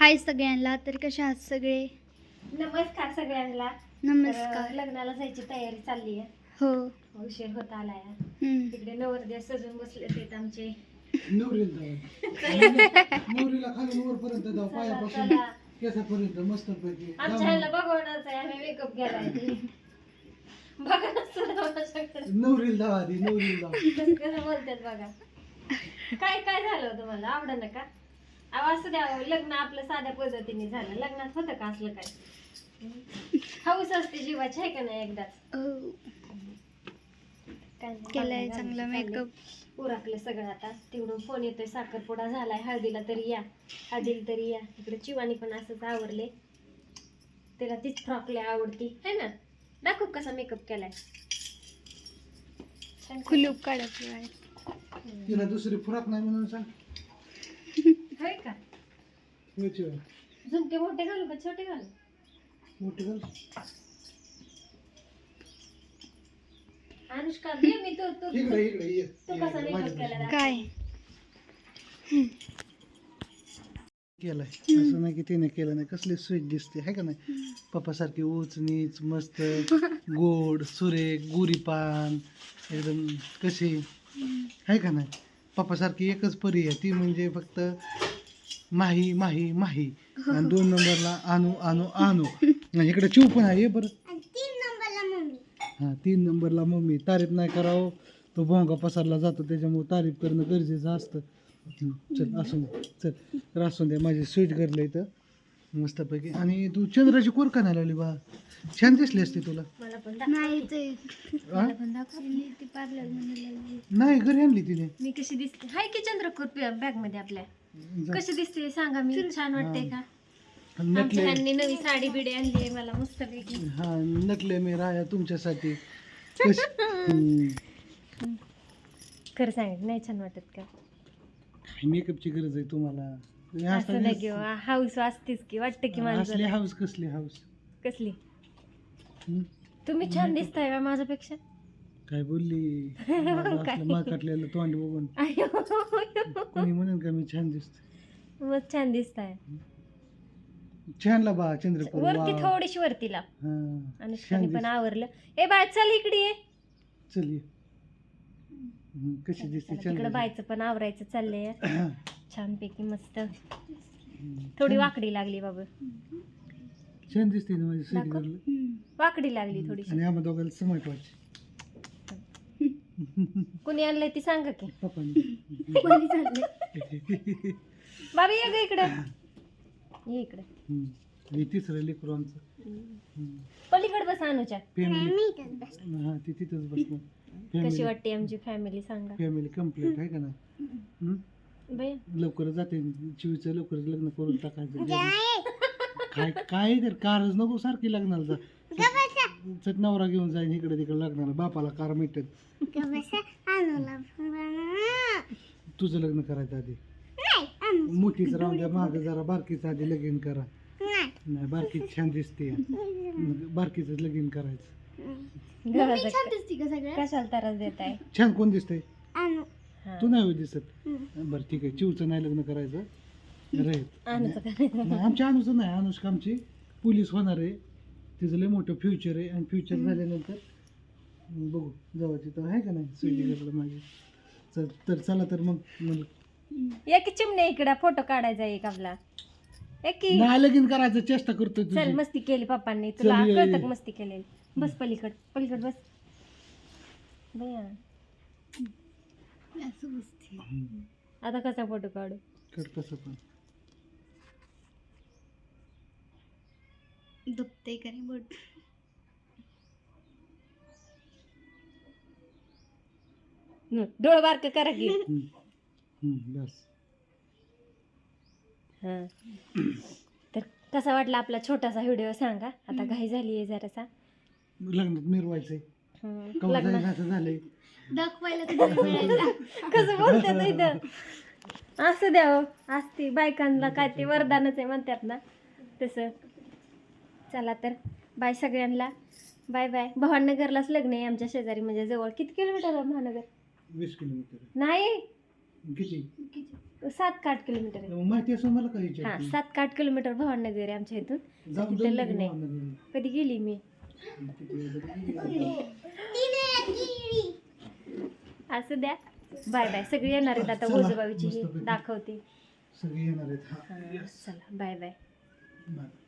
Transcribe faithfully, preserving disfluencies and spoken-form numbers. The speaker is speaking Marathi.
हाय सगळ्यांना. तर कशा आहात सगळे? नमस्कार सगळ्यांना. नमस्कार. लग्नाला जायची तयारी चालली आहे. हो, उशीर होत आलाय. हम्म. तिकडे नवरदेव सजून बसले आहेत आमचे. नवरीला खाली वरपर्यंत जाऊ, पायापासून चला. केसापर्यंत मस्त पैकी आमच्या ह्याला बघवणारच आहे, आम्ही मेकअप केलाय. बघा ना सुद्धा माझ्याकडे. नवरीला जाऊ आधी, नवरीला जाऊ. कसं कसं बोलतात बघा. काय काय झालं तुम्हाला आवडलं ना का? अहो असं द्या, लग्न आपलं साध्या पद्धतीने झालं. लग्नात होतं का असलं काय? हौस असते जीवाची, आहे का नाही एकदाच? हो, काय नाही, केलाय बघा, चांगला घालायचं मेकअप. चाललंय. उरकलं सगळं आता. तिकडून फोन येतोय साखरपुडा झालाय, हळदीला तरी या, हळदीला तरी या. इकडे चिवानी पण असंच आवरले. तिला तीच फ्रॉक लय आवडती है ना. दाखव कसा मेकअप केलाय. छान कुलूप काढायचं आहे. तिला दुसरी फुराक नाही म्हणून सांग. होय का? होयची होय. झुमके मोठे घालू का छोटे घालू? मोठी घाल. अनुष्का दे मी तो तो इकडे इकडे ये. तू कसा ये, मेकअप माझ्या केला पाशी. काय केलाय असं नाही की तिने केलं नाही. कसली स्वीट दिसते आहे का नाही. पप्पासारखी उच नीच मस्त गोड सुरेख गोरीपान एकदम कशी आहे का नाही. पप्पासारखी एकच परी आहे ती म्हणजे फक्त माही माही माही. आणि दोन नंबरला आणू आणू आणू. आणि इकडे चिव पण आहे. ये बरं. हां, तीन नंबरला मम्मी. तारीफ नाही करावं तो भोंगा पसरला जातो, त्याच्यामुळे तारीफ करणं गरजेचं असतं. हं, चल असून दे चल. तर असून दे माझी स्वीट करलं इथं मस्तपैकी. आणि तू चंद्राची कोर का नाही लावली बा? छान दिसली असती तुला. मला पण नाही दाखव. ते हा? पण दाखवली ती पार्लर मध्ये. नाही घरी आणली तिने. मी कशी दिसते? हाय की चंद्रकोर बॅग मध्ये आपल्या. जा. कशी दिसते सांगा मी? छान वाटते का? नटले. आमच्या ह्यांनी नवी साडी बिडी आणली आहे मला मस्त पैकी. हा नटले मी राया तुमच्यासाठी. कशी हं. खरं सांग नाही छान वाटत का? मेकअपची गरज आहे तुम्हाला. हे असं नाही असं- किंवा हाऊस असतेच की वाटतं की असली माणसाला. हाऊस कसली हाऊस. कसली? हं? तुम्ही छान दिसताय का माझ्यापेक्षा? काय बोलली मा काटलेलं तोंड बघून अय्यो. कोणी म्हणेन का मी छान दिसतो. मग छान दिसताय. छानला बा चंद्रपूर. वरती थोडीशी वरतीला. हा अनुष्काने पण आवरलं. ए बाय चल इकडे ये. चल ये. हं, कशी दिसते तिकडे चंद्र. बायचं पण आवरायचं चाललंय छान पैकी मस्त. थोडी वाकडी लागली बाबा. छान दिसते ना माझी स्वीट दाखव. गर्ल. वाकडी लागली थोडीशी. आणि आम्हा दोघांना समट व्हायची. कुणी आणलंय ती सांगा की. पप्पांनी. बाबा ये ग इकडे. ये इकडे. हं. हे तिसरं लेकरू आमचं. पलीकडे बस अनुच्या. फॅमिली हा ती तिथंच बसणार. कशी फॅमिली वाटते आमची फॅमिली सांगा. फॅमिली कम्प्लीट आहे का ना. हं? बाई लवकर जाते चिवीचं लवकरच लग्न करून टाकायचं. काय काय तर कारच नको सारखी लग्नाला जा. चट नवरा घेऊन जाईन इकडे तिकडे लग्नाला. बापाला कार मिळतात. तुझं लग्न करायचं आधी. मोठीच राहून द्या माग जरा बारकीचं आधी लगीन करा. नाही बारकीच छान दिसते. बारकीच लगीन करायचं. कशाला त्रास देत आहे? छान कोण दिसतंय? तू नाही होय दिसत. बरं ठीक आहे चिवचं नाही लग्न करायचं. राहील नाही, आमच्या अनुचं नाही. अनुष्का आमची पोलीस होणार आहे. तिचं लय मोठं फ्युचर आहे. आणि फ्युचर झाल्यानंतर बघू जाऊ तिथं आहे का नाही. सुईली घरला माझी. चल तर चला तर मग म्हणलं एक चिमणे इकडे फोटो काढायचा एक आपला. एक नाही लगीन करायचं चेष्टा करतोय चल तुझी. मस्ती केली पप्पांनी. तुला चल, ये, कळतं ये. का मस्ती केलेली? बस पलीकड पलीकड बस. बया हं. आता कसा फोटो काढू? कर कसं पण. दुखते का नाही बोट? डोळ बारक करा की. हं. हं, बस. हा तर कसा वाटला आपला छोटासा व्हिडिओ सांगा. आता घाई झाली आहे जरासा. लग्नात मिरवायचंय. हं, कवा लग्नात जायचं असं झालंय. दाखवायला कधी मिळायला. कसं बोलतात इथं. असं द्यावं असते बायकांना काय ते वरदानच आहे म्हणतात ना तसं. चला तर बाय सगळ्यांना. Bye bye. भावनगरलाच लग्न आहे आमच्या शेजारी म्हणजे जवळ. किती किलोमीटर आहे भावनगर? वीस किलोमीटर. नाही किती? सात का आठ किलोमीटर आहे. माहिती असून मला काही हा विचारते. सात का आठ किलोमीटर भवाननगर आहे आमच्या इथून. जाऊन तिथं जाऊन लग्न आहे. भावनगर. कधी गेली मी किती वेळा गेली. असं द्या. Bye bye. सगळी येणार आहेत आता. चला, गोजोबाईची मस्तपैकी. दाखवते. सगळे येणार आहेत. हा हा, चला बाय बाय. बाय.